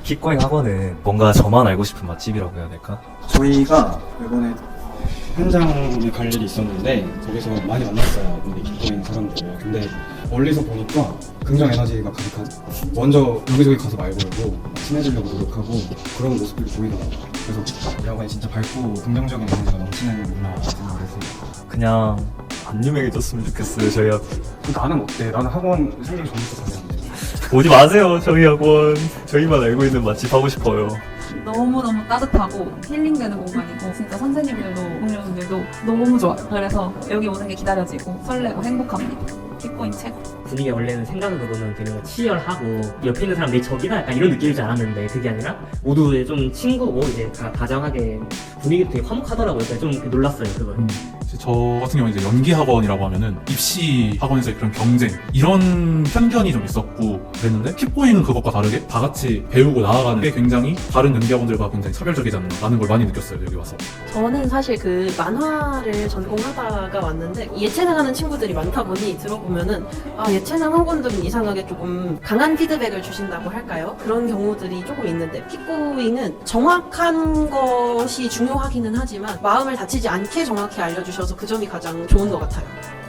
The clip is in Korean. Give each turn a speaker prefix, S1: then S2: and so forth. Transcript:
S1: 킥고잉 학원은 뭔가 저만 알고 싶은 맛집이라고 해야 될까?
S2: 저희가 이번에 현장에 갈 일이 있었는데 거기서 많이 만났어요. 우리 킥고잉 사람들. 근데 멀리서 보니까 긍정 에너지가 가득하죠. 먼저 여기저기 가서 말 걸고 친해지려고 노력하고 그런 모습들이 보이더라고요. 그래서 우리 학원이 진짜 밝고 긍정적인 에너지가 넘치는구나 생각을 했어요.
S1: 그냥 안 유명해졌으면 좋겠어요, 저희 학원.
S2: 나는 어때? 나는 학원 생기기 전부터 다녔는데.
S1: 오지 마세요, 저희 학원. 저희만 알고 있는 맛집 하고 싶어요.
S3: 너무너무 따뜻하고 힐링되는 공간이고 진짜 선생님들도 동료분들도 너무 좋아요. 그래서 여기 오는 게 기다려지고 설레고 행복합니다. 킥고잉 최고.
S4: 분위기가 원래는 생각으로는 되게 치열하고 옆에 있는 사람 내 적이다 약간 이런 느낌일 줄 알았는데 그게 아니라 모두 좀 친구고 이제 다정하게 분위기도 되게 화목하더라고요. 그래서 좀 놀랐어요 그걸.
S5: 저 같은 경우는 이제 연기 학원이라고 하면은 입시 학원에서의 그런 경쟁 이런 편견이 좀 있었고 그랬는데 킥고잉은 그것과 다르게 다 같이 배우고 나아가는 게 굉장히 다른 연기 학원들과 굉장히 차별적이지 않나라는 걸 많이 느꼈어요 여기 와서.
S6: 저는 사실 그 만화를 전공하다가 왔는데 예체능 하는 친구들이 많다 보니 들어보면은 예체능 학원들은 이상하게 조금 강한 피드백을 주신다고 할까요? 그런 경우들이 조금 있는데 킥고잉은 정확한 것이 중요하기는 하지만 마음을 다치지 않게 정확히 알려주셔서 그 점이 가장 좋은 것 같아요.